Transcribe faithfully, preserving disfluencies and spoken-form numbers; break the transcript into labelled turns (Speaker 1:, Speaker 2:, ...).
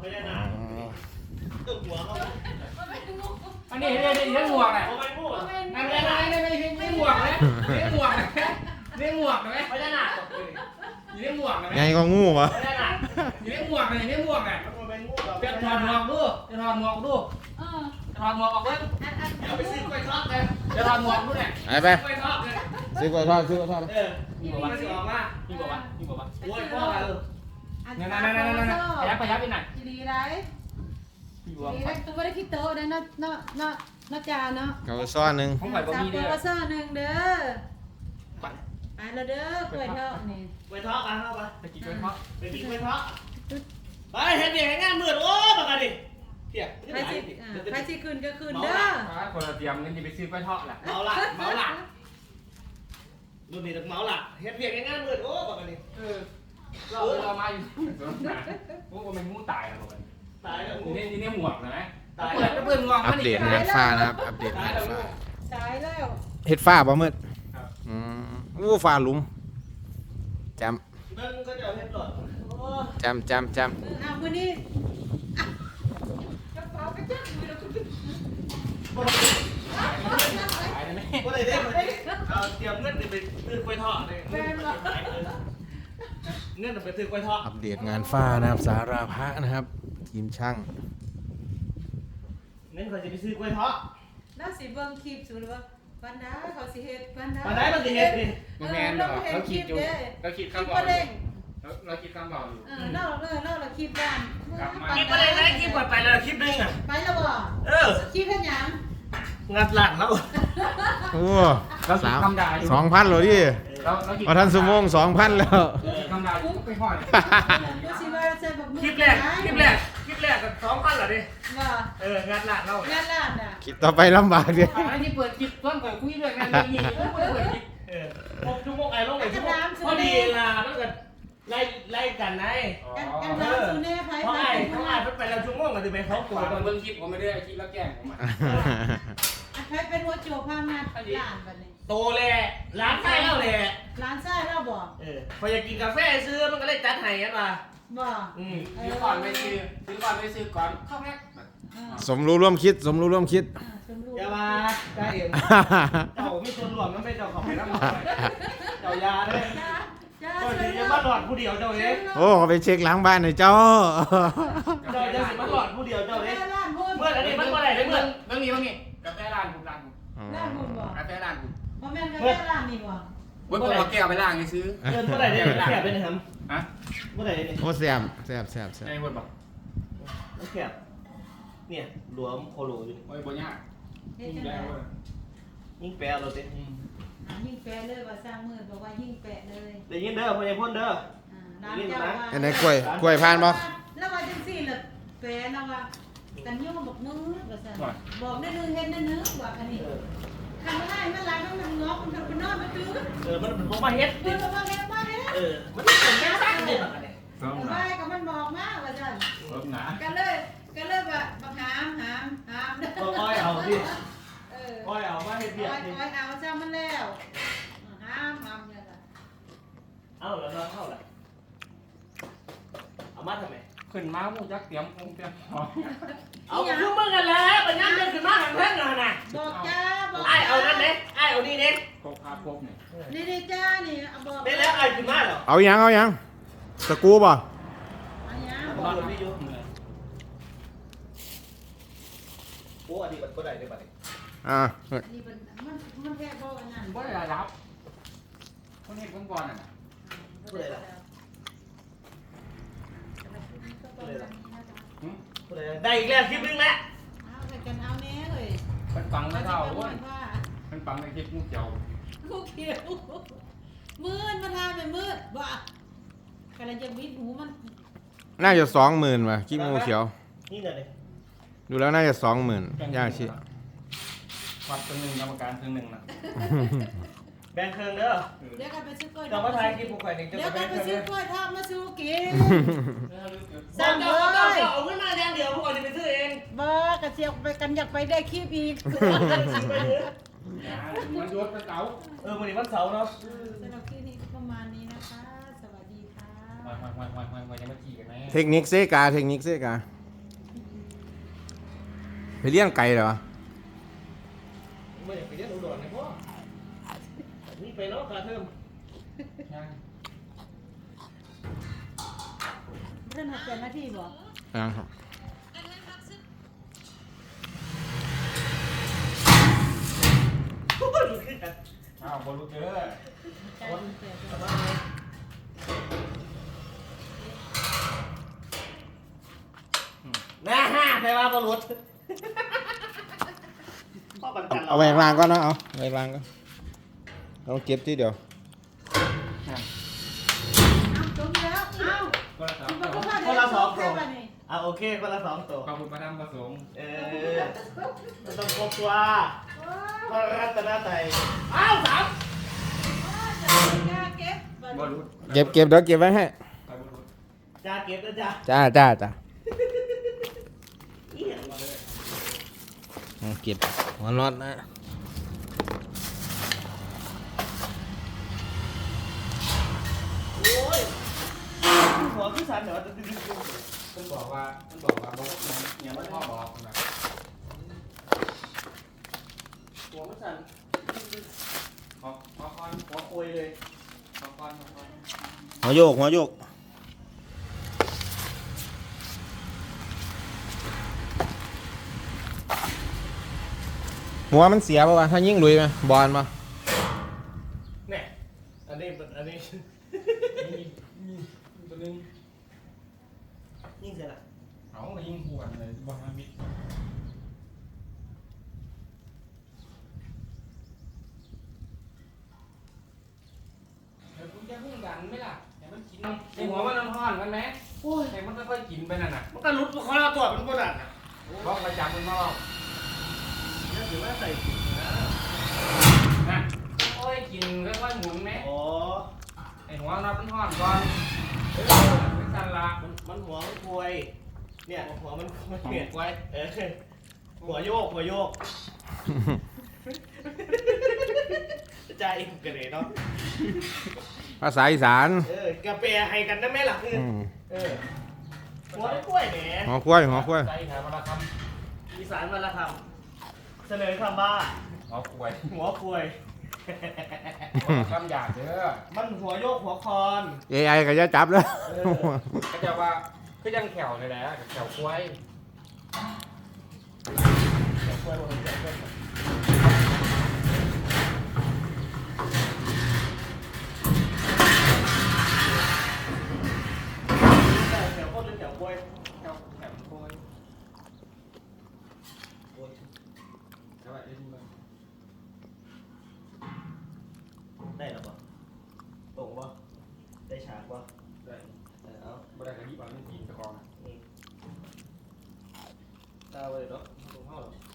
Speaker 1: ไม่ได้นะตึกหัวเขา
Speaker 2: อันนี้นี่นี่นี่หมวกแหละ
Speaker 1: เขาไม่พูด
Speaker 2: ไม่ไม่ไม่ไม่ไม่ไม่หมวกเลยไม่หมวกนะไม่หมวกนะไหม
Speaker 1: ไม่ได้หนัก
Speaker 2: อยู่ในหมวกนะไหม
Speaker 3: ไงก็งูวะ
Speaker 1: ไม่ได้หนัก
Speaker 2: อยู่ในหมวกเลยในหมวกอ่ะ
Speaker 1: มันเป็นงูเรา
Speaker 2: จะถอดหมวกดูจะถอดหมวกดูถอดหมวกออกเลย
Speaker 1: เอาไปซื้อกล้วยทอดเลย
Speaker 2: จะถอดหมวกดูเนี่ย
Speaker 3: ไปไป
Speaker 2: กล้วยทอดเลย
Speaker 3: ซื้อกล้วยทอดซื้อกล้วยทอด
Speaker 1: เออ
Speaker 2: พี่บอกว่าพี่บอกว่าพี่บอกว่าพี่บอกว่า
Speaker 1: โอ้ยพ่อเออ
Speaker 2: นั่นนั่นนั่นนั่นนั่นขยับขยับไปหน่อย
Speaker 4: ดีไร
Speaker 2: พี่บอก
Speaker 4: ดีไรตัวไม่ได้คิดโตได้เนาะเนาะเนาะเนาะจาเนาะ
Speaker 3: เขาซ่อนหนึ่ง
Speaker 2: ผมไหวบ่มีเด้อ
Speaker 4: สามตัวหนึ่งเด้อไปแล้วเด้อกล้วยทอดนี่
Speaker 1: กล้วยทอดกันเข้าไป
Speaker 2: ตะกี้กล้วยทอด
Speaker 1: ไปกินกล้วยทอดไปเห็นเด็กงานมืดโอ้ปากกันดิเพีย
Speaker 4: ใครสิใครสิคืนก็คืนเด้อ
Speaker 2: คนละเตรียมเงินจะไปซื้อกล้วยทอดแหละ
Speaker 1: เมาละเมาละดูนี่ต้องเมาละเห็นเด็กงานมืดโอ้ปากกันดิ
Speaker 2: เออเราเรามาอยู่สวนสนามพวกมันงูตายอะไรกัน
Speaker 1: ตายแล้ว
Speaker 2: นี่นี่นี่หมวกนะ
Speaker 1: ตาย
Speaker 2: เปิดเปิดงวง
Speaker 3: อัปเดตงานฟ้านะครับ อัปเดตงานฟ้า
Speaker 4: สายแล้ว
Speaker 3: เฮ็ดฟ้าบ่มืดอืมอู้ฟ้าหลุมจ
Speaker 1: เบิ้งก็จะเห็นหลอดโอ้
Speaker 3: ำจำจำจ
Speaker 4: อ้าวมื้อนี้กระเป๋ากระจักมือเราคุณ
Speaker 2: ตายเลยไหม
Speaker 1: ก็เลยได้เอาเตรียมเงินไปซื้อกล้วยทอดเลยเงินไปซื้อกล้วยทอด
Speaker 3: ำอัปเดตงานฟ้านะครับสาราพระนะครับ ทีมช่าง
Speaker 1: เงินเขาจะไปซื้อกล้วยทอด
Speaker 4: แล้วสิเบิ่งคลิปสูหรือว่าปันดาเขาสิเฮ็ดปันดา
Speaker 1: มาได้มันสิเฮ็ดดิ
Speaker 2: มันแมนเหรอเราคิดอยู่เราคิด
Speaker 4: คลิป
Speaker 2: คำบอ
Speaker 4: บ่
Speaker 2: ก
Speaker 4: เด้ง
Speaker 2: เราคิดคำบอกอยู่
Speaker 4: เออเล่าเออเล่าละคลิปบ้าน
Speaker 1: คลิปอะไรนะคลิปก่อนไปแล้วคลิปนึงอ่ะ
Speaker 4: ไปแล้วบ่
Speaker 1: เออ
Speaker 4: คลิปเฮ็ดหยัง
Speaker 1: งัดหลังแล้ว
Speaker 3: โอ้
Speaker 2: เราคิด
Speaker 3: สาม
Speaker 2: คำด่าอยู่
Speaker 3: สองพันเลยดิ
Speaker 2: เราเราคิด
Speaker 3: พอทันสมงสองพันแล้ว
Speaker 2: คำด่าอยู่ไปห้อย
Speaker 4: ดูสิว่าใส่บักมือ
Speaker 1: คลิปแรกคลิปแรกคลิปแรกกับสองพันเหรอดิ
Speaker 4: ว่า
Speaker 1: เอองัดหลังแล้ว
Speaker 4: งานร้านน่ะ
Speaker 3: คิดต่อไปลำบากดิ
Speaker 2: อันนี้เปิดคลิปต้นก่อนคุยเรื่องงานเลยนี่เปิดคลิป
Speaker 1: เออหกชั่วโมงไอ้ลงไอ้ชั่วโมงพอดีล่ะแล้วก็ไล่ไล่กันไง
Speaker 4: กันกันร้านซูเน่ไผ
Speaker 1: เพราะ
Speaker 4: ไผ
Speaker 1: ไอ้เพราะไอ้ไปแล้วชั่วโมงก็จะไปเขา
Speaker 2: ตั
Speaker 1: ตัว ว
Speaker 2: ตอนเบิ้งคลิปผมไม่ได้คลิปแล้วแกล้งผมอ่ะ
Speaker 4: ไผเป็นหัวโจกพามาร้านบัดนี้
Speaker 1: โตแหละร้านไส้แล้วแหละ
Speaker 4: ร้านไส้เราบ่
Speaker 1: เออพออยากกินกาแฟซื้อมันก็เลยจัดให้กันมา
Speaker 4: บ่
Speaker 1: อืม
Speaker 2: ซื้อก่อนไม่ซื้อซื้อก่อนไม่ซื้อก่อนเข้าแรก
Speaker 4: เออ
Speaker 3: สมรู้ร่วมคิด สมรู้ร่วมคิด
Speaker 4: อ่าชมรูป
Speaker 1: อย่ามาใจเอ็มเจ้ามีส่วนรวมมันไม่เจ้าของไปน้ำมันเจ้ายาด้วย
Speaker 4: จ้าจ้า
Speaker 1: ก็ถือจะมาหลอดผู้เดียวเจ้าเอง
Speaker 3: โอ้เขาไปเช็คล้างบ้านหน่อยเจ้า
Speaker 1: เจ้าจะสิมาหลอดผู้เดียวเจ้าเอง
Speaker 4: ร้านหุ้น
Speaker 1: เมื่ออันนี้มันเมื่อไหร่ได้เมื่อ
Speaker 2: เบิ้งนี้เบิ้งนี้กาแฟร้านผมร้านผม
Speaker 4: ร้านหุ้นบ่
Speaker 2: กาแฟร้านผม
Speaker 4: บ่แม่นกาแฟร้านนี่บ่
Speaker 2: เบิ้งผมเอาแก้วไปล้างซื้อ
Speaker 1: เงินเมื่อไหร่เนี่ยแคบเป็นครับ
Speaker 2: ฮะ
Speaker 1: เมื่อไหร่เนี่ย
Speaker 3: โอ้แซ่บแซ่บแซ่บแซ่บ
Speaker 2: ไอ้บดบอก
Speaker 1: มันแคบเนี่ยหลวมโคโลอยู่
Speaker 2: โอ้ยบนยาก
Speaker 4: เฮ็ด
Speaker 2: ยิ่ง
Speaker 4: จัง
Speaker 2: แย่
Speaker 4: ได๋
Speaker 2: เว้ย
Speaker 1: ยิ่งแปลเราเต้
Speaker 4: อ่ายิ่งแปะเลยว่าสร้างมือบอกว่ายิ่งแปะเลย
Speaker 1: เดี๋ยวยิ่งเด้อพอยังพ่นเด้อ
Speaker 4: อ่าร้านเจ้าว่า
Speaker 3: อันไหนกล้วยกล้วยพานบ่
Speaker 4: แล้วว่าจังซี่ล่ะแปะแล้วว่ากันยุ่งบอกมือว่าซั่นบอกได้นึงเฮ็ดได้นึงว่าอันนี้คันได้มันหลังมันงอกมันเป็นนอนมันตื้อ
Speaker 1: เออมันเป็นพวกมาเฮ็ด
Speaker 4: เพิ่นว่าเฮ็ดมาเฮ็ด
Speaker 1: เออมันเป็นแค่สร้างเด็ดแบบนี้
Speaker 2: เพิ่มหนา
Speaker 4: ไปก็มันบอกมาว่าซั่น
Speaker 2: เพิ่มหนา
Speaker 4: ก็เลยก็เลยว่าบักหามหามหาม
Speaker 1: ก็อ้อยเอาดิ
Speaker 4: เออ
Speaker 1: อ้อยเอามาเฮ็ดเบีย
Speaker 4: อ้
Speaker 1: ด
Speaker 4: อย
Speaker 1: ดิ
Speaker 4: อ้อยเอาซะมันแล้วหามหามเนี่ยล่ะ
Speaker 1: เอาแล้วเนาะเอาละเอามาทำไม
Speaker 2: ขึ้นมาหมูจักเตรียมคงเตรียมหอม
Speaker 1: เอาคือมึงกันแล้วปัญญาเดินขึ้นมาทางเพื่อนกันนะ
Speaker 4: บอกจ้าบอก
Speaker 1: ไอ้เอานั่นเด้ไอ้เอานี่เด้
Speaker 2: โคกคาโคกเนี่ย
Speaker 4: นี่นี่จ้านี่บอก
Speaker 1: ได้แล้วไอ้ขึ้นมาเหรอ
Speaker 3: เอายังเอายังตะกูบ่
Speaker 4: อันนี้
Speaker 1: บอกเลยพี่ยูโอ้อันนี้มันก็ได้ได้บัดนี้
Speaker 3: อ่า
Speaker 4: นี่มันมันมันแค่บอกอันนั้น
Speaker 2: บ่ได้รับคนเห็นคนก่อนอ่ะ
Speaker 1: พูดอะไรล่ะพูดอะไรได้อีกแล้วคลิปนึงแล้ว
Speaker 4: เอาไปกันเอาแน่เลย
Speaker 2: มันฟังไม่เท่า
Speaker 4: เว้
Speaker 2: เว้ย
Speaker 4: ยว่า
Speaker 2: มันฟังในคลิปงูเขียว
Speaker 4: ลูกเขียวมืดมาทาเป็นมืดบ่กำลังจะวิดหูมัน
Speaker 3: น่าจะสองหมื่นว่ะกิ๊กงูเขียว
Speaker 1: นี่น่ะดิ
Speaker 3: ดูแล้วน่าจะสองหมื่นย่าชิ
Speaker 2: วัดตัวหนึ่งกรรมการตัวหนึ่งนะ
Speaker 1: แบงค์เครื่องเด้อ
Speaker 4: เดี๋ยวกันไปซื้อกล้วย
Speaker 1: จะมาถ่ายคลิปพวกใครนี่จะ
Speaker 4: เดี๋ยว
Speaker 1: ไป
Speaker 4: กัน
Speaker 1: แบ
Speaker 4: ไป
Speaker 1: งค์เค
Speaker 4: ซื้
Speaker 1: รื่
Speaker 4: อ
Speaker 1: อง
Speaker 4: กล้วยทอดมาสู้กิน
Speaker 1: สามเด้อเอาเงินมาแดงเดียวพวกนี้ไปซื้อเอง
Speaker 4: บ่กระเสียกไปกันอยากไปได้คลิปอีก
Speaker 2: มันยศเป็นเก๋า
Speaker 1: เออวันนี้วันเสาร์เนาะ
Speaker 4: สำหรับคลิปนี้ประมาณนี้นะคะ สวัสดีค่ะ
Speaker 2: วันวันวันวันวันยังไม่ขี่กันไหม
Speaker 3: เทคนิคเซกาเทคนิคเซกา
Speaker 4: อ
Speaker 3: ไปเลี้ยงไก่เหรอ
Speaker 1: ไม่อยากไปเรียนอุดรนะพ่อนี่ไปเนาะค่าเทอม
Speaker 4: เรื่องหัดเจ้าหน้าที่บ่
Speaker 3: ยังครับ
Speaker 2: อ้าวบอลลูกเจอ
Speaker 4: คนเสียตัว
Speaker 1: นะฮะใครว่าบอลลูนพ่อบัน
Speaker 3: เอา
Speaker 1: กัน
Speaker 3: เอาไปล้างก่อนนะเอาไปล้างก่อนเราเก็บที่เดียว
Speaker 4: เอาจมแล้วเอา
Speaker 2: คนละสอง
Speaker 4: คุณ
Speaker 2: ตัว
Speaker 4: พ่อคนละสองตัวนี่
Speaker 1: อ่ะโอเคคนละสองตัว
Speaker 2: ขอบคุณประธานประสงค์
Speaker 1: เออมันต้องครบตัวพระรัตนตรัยอ้าวสาม
Speaker 4: จ้าเก็บบ
Speaker 2: อลลูน
Speaker 3: เก็บเก็บเดี๋ยวเก็บไว้ให้
Speaker 2: ไปบอลลูน
Speaker 1: จ้าเก็บนะจ้า
Speaker 3: จ้าจ้าจ้า
Speaker 1: เอี่ยงมาเลย
Speaker 3: เอาเก็บหัวน็อตนะ
Speaker 1: โอ้ยหัวขึ้นสันเดี๋ยวจะดึงดึงดึง
Speaker 2: มันบอกว่ามันบอกว่าบอกเนี่ยมันพ่อบอกนะ
Speaker 1: หัวขึ้นสัน
Speaker 2: ขอขอคอน
Speaker 1: หัวคุยเลย
Speaker 2: ขอคอนขอคอน
Speaker 3: หัวโยกหัวโยกหัวมันเสียป่าวะถ้ายิ่งลุยไหมบอลมา
Speaker 1: เนี่ยอันนี้อันนี้
Speaker 2: นี่นี่ตัวนึง
Speaker 1: ยิ่งเสียละ
Speaker 2: เขายิงปวดเลยบอลมิดเดี๋ยวคุณจะพุ่งดันไหมล่ะแต่มันกินในหัวมันน้ำห้อนกันไหมโอ้ยแต่มันค่อยๆกินไปนั่นน่ะ
Speaker 1: มันก็รุดเขาเราตัวเป็นคนอ่ะ
Speaker 2: บอกประจำมันมาบอก
Speaker 1: นี่ถือว่าใส่ถุงนะ
Speaker 2: นะโอ้ยกินค่อยๆหมุนไหม
Speaker 1: โอ้
Speaker 2: ไอหัวนับมันห้อนก่อนเออไม่กันละ
Speaker 1: มันมันหัวมันคุยเนี่ยหัวมันมัน
Speaker 2: หั
Speaker 1: เปลี่ยน
Speaker 2: ไว้
Speaker 1: เออหัวโยกหัวโยกใจอีกกันเลยเนาะ
Speaker 3: ภาษาอีสาน
Speaker 1: เออกาแฟให้กันได้ไหมล่ะคือ
Speaker 3: อืม
Speaker 1: เออหัวกล้วยแหม
Speaker 3: หัวควายหัวควาย
Speaker 2: ใจหามาละค
Speaker 1: อีสานมาละคำเสนอคำว่า
Speaker 2: ำหัวป่วย
Speaker 1: หัวคุย
Speaker 2: คำหยาบเด้อ
Speaker 1: มันหัวโยกหัวคอน
Speaker 3: เอไอก็จะจับแล้ว
Speaker 1: เออ
Speaker 2: ก็จะว่าคือยังแขวเลยแหละแขวควาย
Speaker 1: หัวคุยหัวคุยหัวคุยแถวโคตรหรือแถวกล้วย
Speaker 2: แขวแขวควายแล้วไอ้ที่มัน
Speaker 1: ได้หรอปะตรงปะได้ฉากปะ
Speaker 2: ได้
Speaker 1: เออเอา
Speaker 2: บ่ได้กระดิ่งบางทีตะกอง
Speaker 1: นี่ตาไปเลยเนาะตรงห้องหรอ